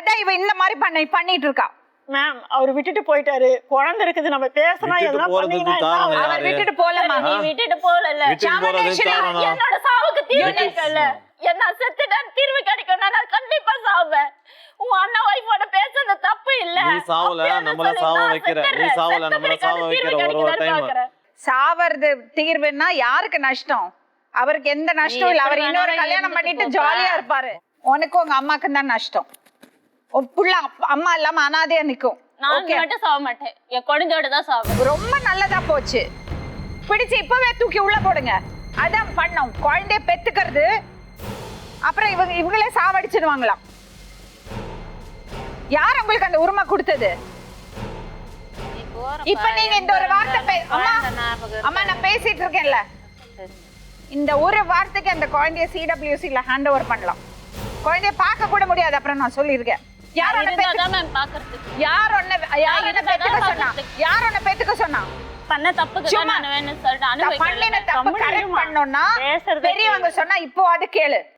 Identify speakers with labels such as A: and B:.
A: அதான் இவ இந்த மாதிரி பண்ணிட்டு இருக்கா.
B: மேம் அவர் விட்டுட்டு போயிட்டாரு, குழந்தை இருக்குது, நம்ம பேசினா எல்லாம் பண்ணீங்கன்னா
A: அவர் விட்டுட்டு போலமா?
C: நீ விட்டுட்டு போல என்னோட சாவுக்கு தீர்வு கிடைக்கல. என்ன செத்துட்டான் தீர்வு கிடைக்கும், நான் கண்டிப்பா சாவேன். உன் அண்ணா வைஃபோட பேசுறது தப்பு இல்ல.
D: நீ சாவல நம்மள சாவ வைக்கிற, நீ சாவல நம்மள சாவ வைக்கிற. ஒரு டைம்
A: சாவறது தீர்வுன்னா யாருக்கு நஷ்டம்? அவருக்கு எந்த நஷ்டம் இல்ல. அவர் இன்னொரு கல்யாணம் பண்ணிட்டு ஜாலியா இருப்பாரு. உனக்கு உங்க அம்மாக்கு தான் நஷ்டம். புள்ள அம்மா இல்லாம அனாதையா நிக்கும்.
C: நான் மட்டும் சாவ மாட்டேன், என் குழந்தையோட தான் சாவேன்.
A: ரொம்ப நல்லதா போச்சு. பிடிச்சு இப்பவே தூக்கி உள்ள போடுங்க. அதான் பண்ணோம். குழந்தைய பெத்துக்கிறது, அப்புறம் இவங்களே சாவடிச்சிடுவாங்களாம். யார் உங்களுக்கு அந்த உரிமை கொடுத்தது? இப்ப நீங்க இந்த ஒரு வார்த்தை அம்மா நான் பேசிட்டு இருக்கேன்ல, இந்த ஒரு வார்த்தைக்கு அந்த குழந்தைய சிடபிள்யூசில ஹேண்ட் ஓவர் பண்ணலாம். குழந்தைய பார்க்க கூட முடியாது. அப்புறம் நான் சொல்லியிருக்கேன். யார் ஒண்ணு பெத்துக்க சொன்னா?
C: பண்ண தப்புக்கு நான் வேணும்னு சொல்லிட்டு
A: பெரியவங்க சொன்னா இப்போ அது கேளு.